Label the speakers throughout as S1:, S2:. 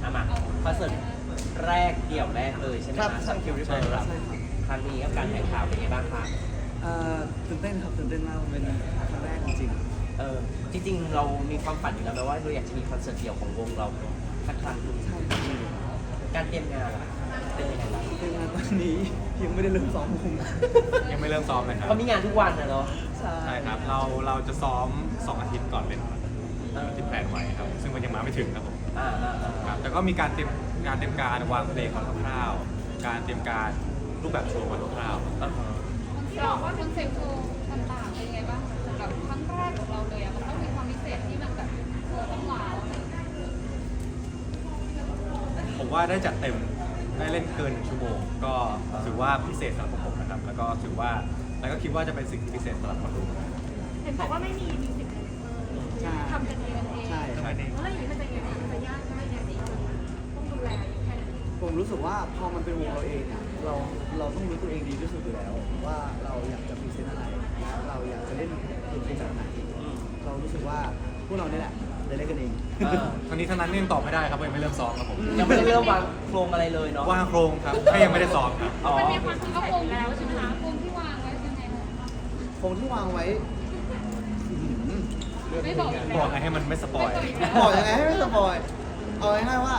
S1: มาคอนเสิร์ตแรกเดี่ยวแรกเลยใช่ไหม
S2: ครับ
S1: คะสักคิวริเบิร์
S2: ใช่ครับ
S1: ครั้งนี้กับการแข่งข่าวเป็นไงบ้างคะ
S2: ตื่นเต้นครับตื่นเต้นมากมันเป็นครั้งแรกจริง
S1: จริงๆเรามีความฝันอยู่แล้วไหมว่าเราอยากจะมีคอนเสิร์ตเดี่ยวของวงเราสักครั้งหนึ่ง
S2: ๆใช่ครับ
S1: การเตรียมงานล่ะเป็นยังไงบ้าง
S2: เป็นงานตอนนี้ยังไม่ได้เริ่มซ้อมวง
S3: ยังไม่เริ่มซ้อมเลยครับ
S1: เขามีงานทุกวันนะเนาะ
S3: ใช่ครับเราจะซ้อม 2 อาทิตย์ก่อนเป็นที่แพลนไว้ครับซึ่งมันยังมาไม่ถึงครับผม ครับแต่ก็มีการเตรียมการวางเพลงของคร่าวๆการเตรียมการรูปแบบโชว์มาคร่าวๆ
S4: ที่บอกว่าคอนเซ็ปต์โชว์ต่างๆเป็นยังไงบ้างสำหรับครั้งแรกของเราเลยมันต้องมีความพิเศษที่มันแบบต้องว้าว
S3: ผมว่าได้จัดเต็มได้เล่นเกิน1 ชั่วโมงก็ถือว่าพิเศษสำหรับผมนะครับแล้วก็ถือว่าแล้วก็คิดว่าจะเป็นสิ่งที่พิเศษสำหรับคนดู
S4: เห็นบอกว่าไม่มีมิวสิก
S2: ใช่
S4: ทำกันเอง
S2: ใช่
S3: ใช่
S4: แล้วอย่างนี้มันจะยังไงมันจะยากง่ายยังไงต้องดูแลแค่ไหน
S2: ผมรู้สึกว่าพอมันเป็นวงเราเองอ่ะเราต้องรู้ตัวเองดีที่สุดอยู่แล้ว ว่าเราอยากจะพรีเซนต์อะไรและเราอยากจะเล่นดนตรีแบบไหนเรารู้สึกว่าพวกเราเนี่ยแหละจะเล่นกันเอง
S3: ทั้งนี้ทั้งนั้นยังตอบไม่ได้ครับยังไม่เริ่มซ้อมครับผม
S1: ยังไม่ได้เริ่มวางโครงอะไรเลยเนาะ
S3: ว่างโครงครับแค่ยังไม่ได้ซ้อมครับ
S1: อ๋อ
S4: มันมีความพิเศษอยู่แล้วใช่ไหมคะวงที่วางไว้ยังไงคะ
S2: คงที่วางไว้
S4: ไม่บอกอีก
S3: บ
S4: แล้
S3: อ
S4: ว
S3: กไงให้มันไม่สปอย
S2: บอกยังไงให้ไม่สปอยเอาง่ายๆว่า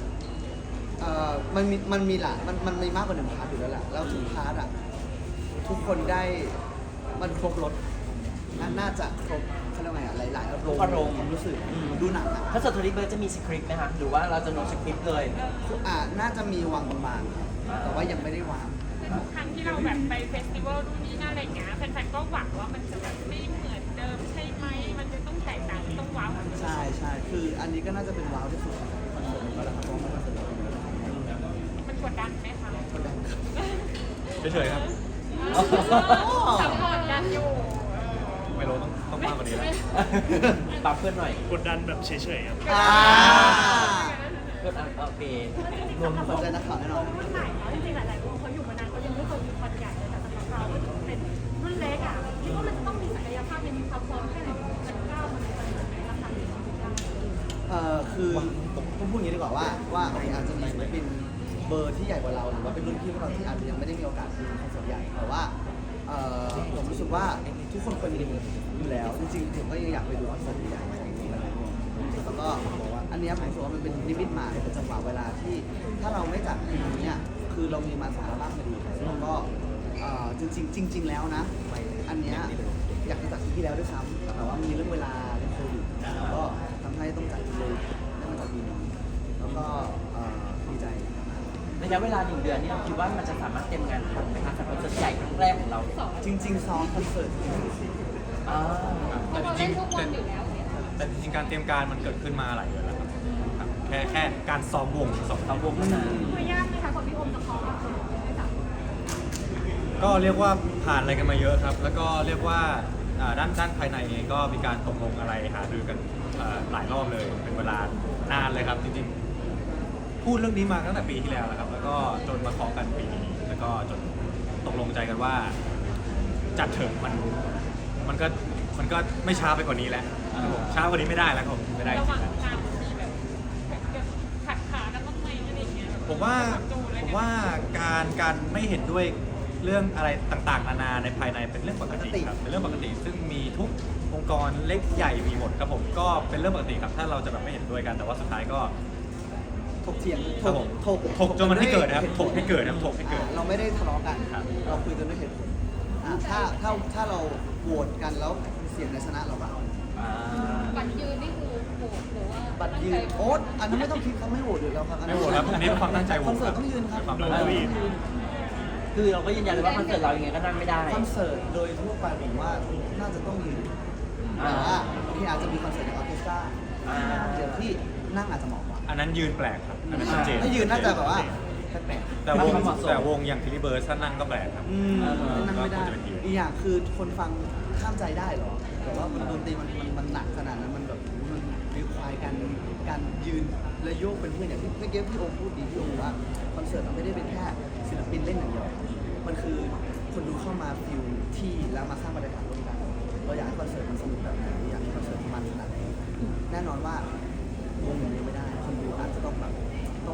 S2: มันมีหลายมันมีมากกว่า1 พาร์ทอยู่แล้วแหละแล้วทุกพาร์ทอ่ะทุกคนได้มันครบรถน่าจะครบเขาเรียกว่าไงอ่ะหลายๆอารมณ์ความรู้สึกดูหนังอ่ะ
S1: คอนเสิร์ตทัวริเบิร์จะมีสคริปต์ไหมคะหรือว่าเราจะโน้ตสคริปต์เลย
S2: น่าจะมีวางบางๆครับแต่ว่ายังไม่ได้วาง
S5: ทุกครั้งที่เราแบบไปเฟสติวัลนู่นนี่นั่นอะไรอย่างเงี้ยแฟนๆก็หวังว่ามันจะแบบไม่เหมือนเดิมใช่ไหมมันจะต้องแตกต่างต้องว้าวเหมือนเดิม
S2: ใช่คืออันนี้ก็น่าจะเป็นว้าวที่สุดของคอนเสิร์ตนี้ก็แล้วครับเพราะว่ามันคอนเสิร์ตเราเป็น
S5: มันกดดันไหมคะ
S2: คนดังครับ
S3: เฉยๆครับ
S5: สัพพอร์ตกันอยู่
S3: ไม่รู้ต้องมากกว่านี้แล้ว
S1: ปรับเพื่อนหน่อย
S6: กดดันแบบเฉยๆครับ
S1: เพื่อนโอเค
S2: รวมสนใจนักข่าวแน่นอน
S5: รุ่นใหม่เนาะจริงๆหลายๆวงเขาอยู่มานานเขายังไม่เคยมีคอนใหญ่เลยแต่สำหรับเราเป็นรุ่นเล็กอ่ะคิดว่ามันจะต้องมีศักยภาพยังมีความพร้อมแค่ไหนมันก้าวมันไปถึงไหนราคาที่ได้
S2: คือผมพูดอย่างนี้ดีกว่าว่าโอเคอาจจะมีศิลปินเบอร์ที่ใหญ่กว่าเราหรือว่าเป็นรุ่นพี่พวกเราที่อาจจะยังไม่ได้มีโอกาสดูคอนเสิร์ตใหญ่แต่ว่าผมรู้สึกว่าทุกคนควรดูอยู่แล้วจริงๆผมก็ยังอยากไปดูคอนเสิร์ตใหญ่ของวงอะไรแล้วก็อันเนี้ยผมรู้สึกว่ามันเป็นนิมิตหมายเป็นจังหวะเวลาที่ถ้าเราไม่จัดปีนี้เนี่ยคือเรามีมาสารบ้างพอดีแล้วก็จริงๆแล้วนะอันเนี้ยอยากจะจัดปีที่แล้วด้วยซ้ำแต่ว่ามีเรื่องเวลาเรื่องโควิดแล้วก็ทำให้ต้องจัดเลยได้มาจัดปีนี้แล้วก็ดีใจ
S1: ระยะเวลา1 เดือนนี่เราคิดว่ามันจะสามารถเตรียมงานทันไหมคะสำหรับคอนเสิร์ตใหญ่ครั้งแรกของเรา
S2: จริงๆซ้อมคอนเสิร์ต
S1: อ่า
S4: เพราะเราเล่นทุกวันอยู่แล้วเนี่ย
S3: แต่จริงๆการเตรียมการมันเกิดขึ้นมาหลายเดือนแล้วครับแค่การซ้อมวง2
S1: เราวงนั้น
S5: ตัวยากไหมคะคนพี่โอมจะคล้องกับคนได้จับ
S3: ก็เรียกว่าผ่านอะไรกันมาเยอะครับ แล้วก็เรียกว่าด้านภายในเองก็มีการตกลงอะไรหารือกันหลายรอบเลยเป็นเวลานานเลยครับจริงๆพูดเรื่องนี้มาตั้งแต่ปีที่แล้วนะครับ แล้วก็จนมาเคาะกันปีนี้แล้วก็จนตกลงใจกันว่าจัดเถอะมันก็ไม่ช้าไปกว่านี้แล้วครับผมช้ากว่านี้ไม่ได้แล้วครับผมไม่ได้จ
S5: ระห
S3: ริ
S5: ว่าง
S3: งๆ
S5: ทางมีแบบขัดขากันบ้างไหมอะไรอย่างเงี้ย
S3: ผมว่าการไม่เห็นด้วยเรื่องอะไรต่างๆนานาในภายในเป็นเรื่องปกติครับเป็นเรื่องปกติ ซึ่งมีทุกองค์กรเล็กใหญ่มีหมดครับผมก็เป็นเรื่องปกติครับถ้าเราจะแบบไม่เห็นด้วยกันแต่ว่าสุดท้ายก็
S2: ถกเถียง
S3: ครับผมถกจนมันให้เกิดนะครับถกให้เกิดนะครับถกให้เกิด
S2: เราไม่ได้ทะเลาะกัน
S3: ครับ
S2: เราคุยกันด้วยเหตุผลถ้าเราโหวตกันแล้วเสียงในชนะเราก็เอา
S4: บัตรยืนนี่คือโหดหรือว่า
S2: บัตรยืนโอ๊ตอันนั้นไม่ต้องคิดเขาไม่โหวตอยู่แล้วครับ
S3: ไม่โหวตครับอันนี้เป็นความตั้งใจโหวต
S2: คอนเสิร์ตต้องยืนครับ
S3: ความตั้งใจโหวต
S1: คือเราก็ยืนยันเลยว่าคอนเสิร์ตเรายังไงก็นั่งไม่ได้
S2: คอนเสิร์ตโดยทั่วไปผมว่าน่าจะต้องยืนแต่ว่าโอเคอาจจะมีคอนเสิร์ตอย่างออร์เคสตราเดี๋ยวที่นั่งอาจจะเหมาะกว่า
S3: อันนั้นยืนแปลกครับอันนั้นชัดเจน
S2: ถ้ายืนน่าจะแบบว่าแปลก
S3: แต่วงอย่างทิลิเบิร์สถ้านั่งก็แปลกครับ
S2: นั่งไม่ได้
S3: ก็ควรจะเป็นยืน
S2: อีกอย่างคือคนฟังข้ามใจได้เหรอแต่ว่าดนตรีมันหนักขนาดนั้นมันแบบมันรีควายการยืนและโยกเป็นเพื่อนอย่างที่เมื่อกี้พี่โอมพูดดีพี่โอมบอกว่าคอนเสิร์ตมันไม่ได้เป็นแค่ศิลปินเล่นอย่างเดียวมันคือคนดูเข้ามาฟิลที่แล้วมาสร้างบรรยากาศร่วมกันเราอยากให้คอนเสิร์ตมันสนุกแบบไหนอยากให้คอนเสิร์ตมันขนาดไหนแน่นอนว่าวงอย่างเดียวไม่ได้คนดูอาจจะต้องแบบ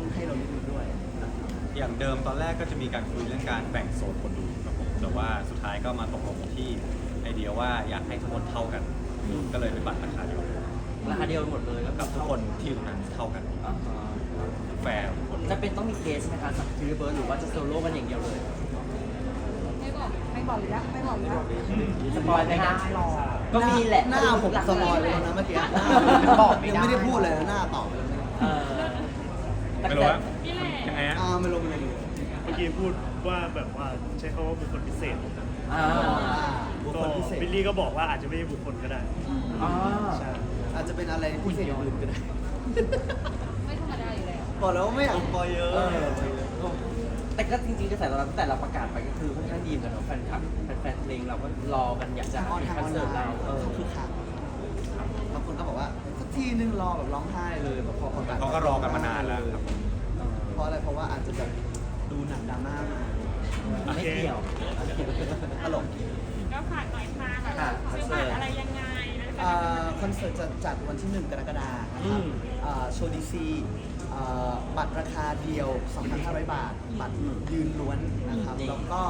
S2: ให้เรานิดนึงด้วย
S3: อย่างเดิมตอนแรกก็จะมีการคุยเรื่องการแบ่งโซนคนดูครับผมแต่ว่าสุดท้ายก็มาตกลงที่ไอเดียว่าอยากให้ทุกคนเท่ากัน ก็เลยเป็นบัตรราคาเดียว
S1: ราคาเดียวหมดเลย
S3: แล้วกับทุกคนที่อยู่ตรงนั้นเท่ากัน
S1: อ่าฮะ
S3: แฟร์ทุกคน
S1: จะเป็นต้องมีเคสไหมคะสักทีเบิร์ดหรือว่าจะโซโล่กันอย่างเดียวเลย
S4: ไม่บอกเลยนะ
S1: สปอยไหมคะก็มีแหละ
S2: หน้าผมสปอยไปแล้วนะเมื่อกี้หน้า
S1: บอกไม่
S2: ยัง
S1: ได้
S2: ไม่ได้พูดเลยนะหน้าตอบไปแล้ว
S1: เออแต่
S3: ไม่รู้ว่า
S4: นี่แหละ
S3: ยังไงฮะ
S2: ไม่ลงเลย
S6: เมื่อกี้พูดว่าแบบว่าใช้คำว่าบุคคลพิเศษ
S1: อ่า
S2: บุค
S6: ก็
S2: คลพิเศษ
S6: บิลลี่ก็บอกว่าอาจจะไม่ใช่บุคคลก็ได้
S1: อ่า
S6: ใช่
S2: อาจจะเป็นอะไรพิเศษอย่างอื่นก็ได้
S4: ไม่ธรรมดาอยู่แล้ว
S2: บอกแล้วว่าไม่อยากสปอยเยอะ
S1: แต่ก็จริงๆกระแสตอบรับตั้งแต่เราประกาศไปก็คือค่อนข้างดีเหมือนกันเนาะแฟนคลับแฟนเพลงเราก็รอกันอยากจะ
S2: ทางออน
S1: เห็น
S2: ทาง
S1: ค
S2: อ
S1: อน
S2: อน
S1: เสิร์ต
S2: ไล
S1: เรา
S2: น์
S1: เออ
S2: เขาคือคักบางคนก็บอกว่าสักทีนึงรอแบบร้องไห้เลยแบบพอประกาศ
S3: เขาก็รอกันมานานแล้วครับ
S2: เพราะอะไรเพราะว่าอาจจะแบบดูหนังดราม่ามา
S1: ไม่เกี่ยว
S2: ตลก
S5: ก็ฝากหน่อยค่ะแบบซื้อบัตรอะไรยังไงนะคะ
S2: คอนเสิร์ตจะจัดวันที่ 1 กรกฎาคมนะครับโชว์ดีซีบัตรราคาเดียว 2,500 บาท บัตรยืนล้วนนะครับ แล้วก็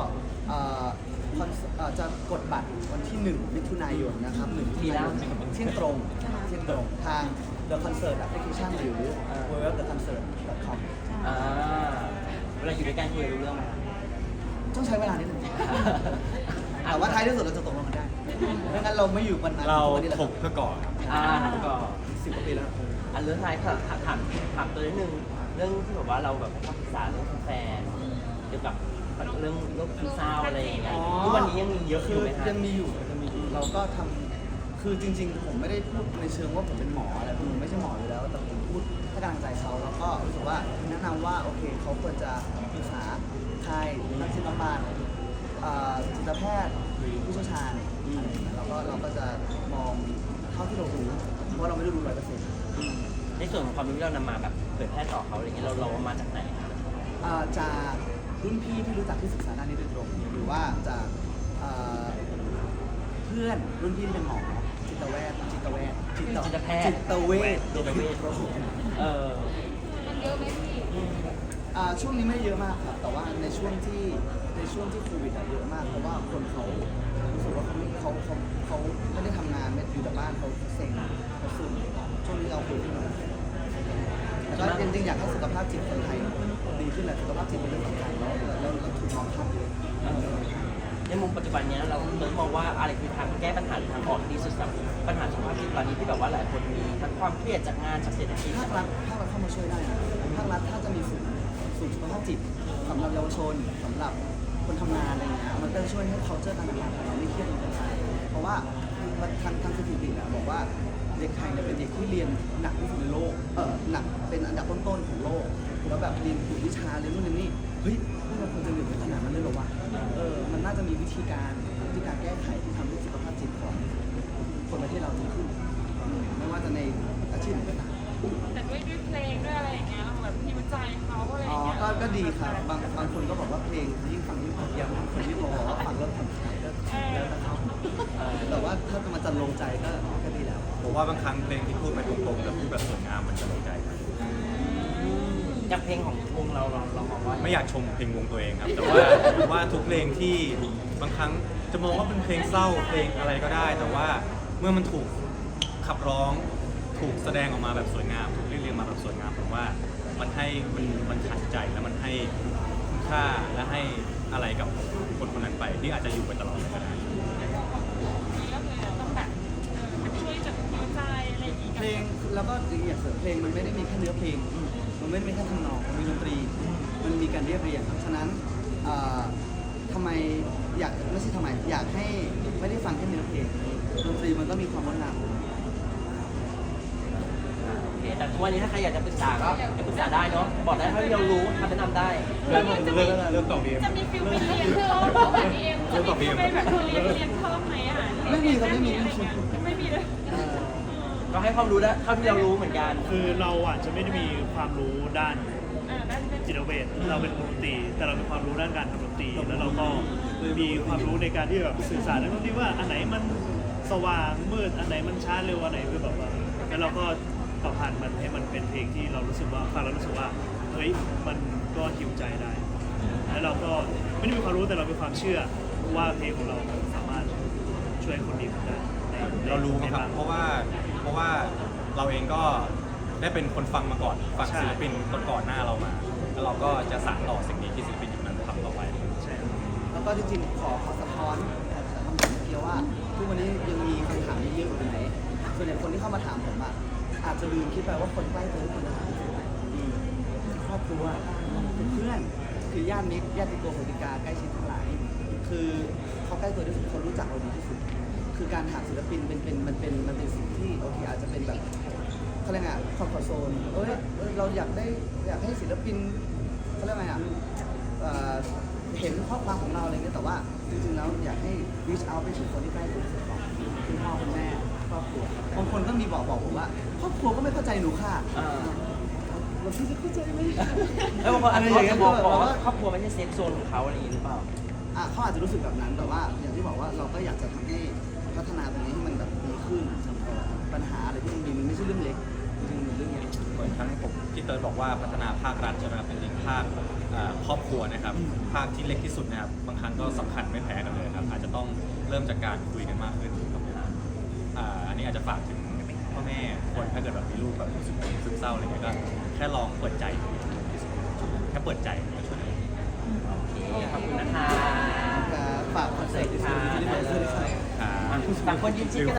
S2: จะกดบัตรวันที่ 1 มิถุนายนนะครับ1มิถุนายนเที่ยงตรงทาง The Concert Application หรือ www.theconcert.com
S1: อ่าเวลาอยู่ด้วยกันคุยรู้เรื่องไหม
S2: ต้องใช้เวลานิดนึง แต่ว่าท้ายที่สุดเราจะตกลงกันได้ไม่งั้นเราไม่อยู่วันนั้น
S3: เรา
S2: วันนี้แหละ
S3: ถกเพื่อก่อน
S1: ก็
S2: 10 กว่าปีแล้ว
S1: อันเรื่องท้ายค่ะถามตัวนิดนึงเรื่องที่แบบว่าเราแบบให้คำปรึกษาเรื่องแฟนเกี่ยวกับเรื่องโรคซึมเศร้าอะไรอย่างเงี้ยทุกวันนี้ยังมีเยอะอ
S2: คื
S1: ยู่
S2: อ
S1: ไหมคะ
S2: ยังมีอยู่เราก็ทำคือจริงๆ ผมไม่ได้พูดในเชิงว่าผมเป็นหมออะไรผมไม่ใช่หมออยู่แล้ว แต่ผมพูดให้กำลังใจเขาแล้วก็รู้สึกว่าแนะนำว่าโอเคเขาควรจะปรึกษาใครนักจิตบำบัดจิตแพทย์หรือผู้เชี่ยวชาญเราก็จะมองเท่าที่เรารู้เพราะเราไม่ได้รู้100%
S1: ในส่วนของความรู้ที่เรานำมาแบบเผยแพร่ต่อเขาอะไรเงี้ยเราเอามาจากไหนคะ
S2: จากรุ่นพี่ที่รู้จักที่ศึกษาด้านนี้โดยตรงหรือว่าจากเพื่อนรุ่นพี่ที่เป็นหมอจิตเวชจิตแพทย์โดยตรง
S4: มันเยอะไหมพี่
S2: ช่วงนี้ไม่เยอะมากครับ แต่ว่าในช่วงที่โควิดเยอะมากเพราะว่าคนเขารู้สึกว่าเขาไม่ได้ทำงานไม่อยู่แต่บ้านเขาเซ็งเขาซึมช่วงนี้เราคุยขึ้นมาแล้วก็จริงๆอยากให้สุขภาพจิตคนไทยดีขึ้นแหละสุขภาพจิตเป็นเรื่องสำคัญแล้วถูกมองข้ามเยอะ
S1: ในมุมปัจจุบันเนี้ยเรามองว่าอะไรคือทางแก้ปัญหาหรือทางออกที่ดีสุดสำหรับปัญหาสุขภาพจิตตอนนี้ที่แบบว่าหลายคนมีทั้งความเครียดจากงานจากเศรษฐกิจ
S2: ภาครัฐเข้ามาช่วยได้นะภาครัฐถ้าจะมีศูนย์สุขภาพจิตสำหรับเยาวชนสำหรับคนทำงานอะไรเงี้ยมันจะช่วยให้ culture การทำงานของเราไม่เครียดเหมือนกันไปเพราะว่าทางสถิตินะบอกว่าเด็กไทยเนี่ยเป็นเด็กที่เรียนหนักที่สุดในโลกหนักเป็นอันดับต้นๆของโลกแล้วแบบเรียนกลุ่มวิชาเรียนนู่นเรียนนี่เฮ้ยพวกเราควรจะเรียนขนาดนั้นเลยเหรอวะมันน่าจะมีวิธีการแก้ไขที่ทำให้สุขภาพจิตของคนประเทศเราดีขึ้นไม่ว่าจะในอาชีพไหนก็ตาม
S5: แต่ด้วยเพลงด้วยอะไรอย่างเงี้ยเราแบบพิวใจเขาอะไรอย่างเงี้ย
S2: ก็ดีครับบางคนก็บอกว่าเพลงยิ่งฟังยิ่งผมยังบางคนที่บอกว่าฟังแล้วผ่อนคลายก็แล้วแต่เขาแต่ว่าถ้ามันจะลงใจก็ดีแล้ว
S3: ผมว่าบางครั้งเพลงที่พูดไปตรงๆแต่พูดแบบสวยงามมันจะลงใจครับ
S1: จากเพลงของวงเรามองว่า
S3: ไม่อยากชมเพลงวงตัวเองครับ แต่ว่าทุกเพลงที่บางครั้งจะมองว่าเป็นเพลงเศร้าเพลงอะไรก็ได้ แต่ว่าเมื่อมันถูกขับร้องถูกแสดงออกมาแบบสวยงามถูกเรียบเรียงมาแบบสวยงามผมว่ามันขัดใจแล้วมันให้คุณค่าและให้อะไรกับคนคนนั้นไปที่อาจจะอยู่ไปตลอดเลยก็ได้
S5: นี่ก็คือต้องแบบช่วยจัดพิวใจอะไรอย่างเงี้ย
S2: เพลงแล้วก็อย่างเสริมเพลงมันไม่ได้มีแค่เนื้อเพลง มันไม่ได้มีแค่ทำนองมันมีดนตรี มันมีการเรียบเรียงครับฉะนั้นทำไมไม่ใช่ทำไมอยากให้ไม่ได้ฟังแค่เนื้อเพลงดนตรีมันก็มีความงดงาม
S1: โอเคแต่ทุกวันนี้ถ้าใครอยากจะปรึกษาก็ปรึกษาได้เนาะบอกได้เท่าที่เรารู้คำแนะนำได้
S3: เรื่องต่อเบียม
S5: จะมีฟิลไปเรียนเพิ่มแบบนี้เองจะมีฟิลไปแบบเรียนเพิ่มไหมอ่ะ
S2: ไม่มีครับไม่มี
S5: ไม่มีเลย
S1: ก็ให้ความรู้ได้เท่าที่เรารู้เหมือนกัน
S6: คือเราอาจจะไม่ได้มีความรู้ด้าน
S5: นั่นเป็น
S6: จิตเวชเราเป็นดนตรีแต่เรามีความรู้ด้านการทำดนตรีแล้วเราก็มีความรู้ในการที่แบบสื่อสารนักดนตรีว่าอันไหนมันสว่างมืดอันไหนมันช้าเร็วอันไหนคือแบบว่าแล้วเราก็ต่อผ่านมันให้มันเป็นเพลงที่เรารู้สึกว่าฟังแล้วรู้สึกว่าฮ้ยมันก็หิวใจได้ แล้วเราก็ไม่ได้มีความรู้แต่เรามีความเชื่อว่าเพลงของเราสามารถช่วยคนดีขึ้นได้ใน
S3: เรารู้
S6: ใน
S3: ครับ
S6: ง
S3: เพราะว่าเราเองก็ได้เป็นคนฟังมาก่อนฟัง
S6: ใช่
S3: ศิลปินก่อนหน้าเรามา แล้วเราก็จะสานต่อสิ่งนี้ที่ศิลปินยุคนั้นทำต่อไป
S6: ใช่
S2: แล้วก็จริงๆขอสะท้อนคำถามเมื่อกี้ว่าทุกวันนี้ยังมีคำถามเยอะอยู่ไหนส่วนใหญ่คนที่เข้ามาถามผมอ่ะอาจจะลืมคิดไปว่าคนใกล้ตัวทุกคนจะถามครอบครัวเพื่อนคือญาติมิตรญาติโกโหติกาใกล้ชิดทั้งหลาย คือเขาใกล้ตัวที่สุดเขารู้จักเราดีที่สุด คือการถามศิลปินมันเป็นสิ่งที่โอเคอาจจะเป็นแบบเขาเรียกไงคอมฟอร์ทโซนเราอยากให้ศิลปินเขาเรียกไงอ่ะเห็นข้อความของเราอะไรเงี้ยแต่ว่าจริงๆแล้วอยากให้ reach out ไปถึงคนที่ใกล้ตัวที่สุดก่อนคุณพ่อคุณแม่ครอบครัวบางคนก็มีบอกผมว่าครอบครัวก็ไม่เข้าใจหนูค่ะเราพี่จะเข้าใจไหม
S1: แล้วบางคนอาจจะ
S2: อะไรอย่างเงี้ย
S1: บอกว่าครอบครัวไม่ใช่เซฟโซนของเขาอะไรอย่างนี้หรือเปล่า
S2: เขาอาจจะรู้สึกแบบนั้นแต่ว่าอย่างที่บอกว่าเราก็อยากจะทำให้พัฒนาตรงนี้ให้มันแบบดีขึ้นปัญหาอะไรที่มันมีมันไม่ใช่เรื่องเล็กจริงๆมันเรื่องใหญ่
S3: เหมือนทั้งผมพี่เติร์ดบอกว่าพัฒนาภาครัฐใช่ไหมครับเป็นจริงภาคครอบครัวนะครับภาคที่เล็กที่สุดนะครับบางครั้งก็สำคัญไม่แพ้กันเลยครับอาจจะต้องเริ่มจากการคุยกันมากขึ้นครับอันนี้อาจจะฝากถึงพ่อแม่คนถ้าเกิดแบบมีลูกแบบรู้สึกซึมเศร้าอะไรเงี้ยก็แค่ลองเปิดใจดูแค่เปิดใจก็ช่วยได้
S1: โอเค ขอบคุณนะคะ
S2: ฝากคอนเสิร์ตที่สุดที่ได้ไปเจอ
S3: ครับ
S1: ต่างคนยืนชิดกัน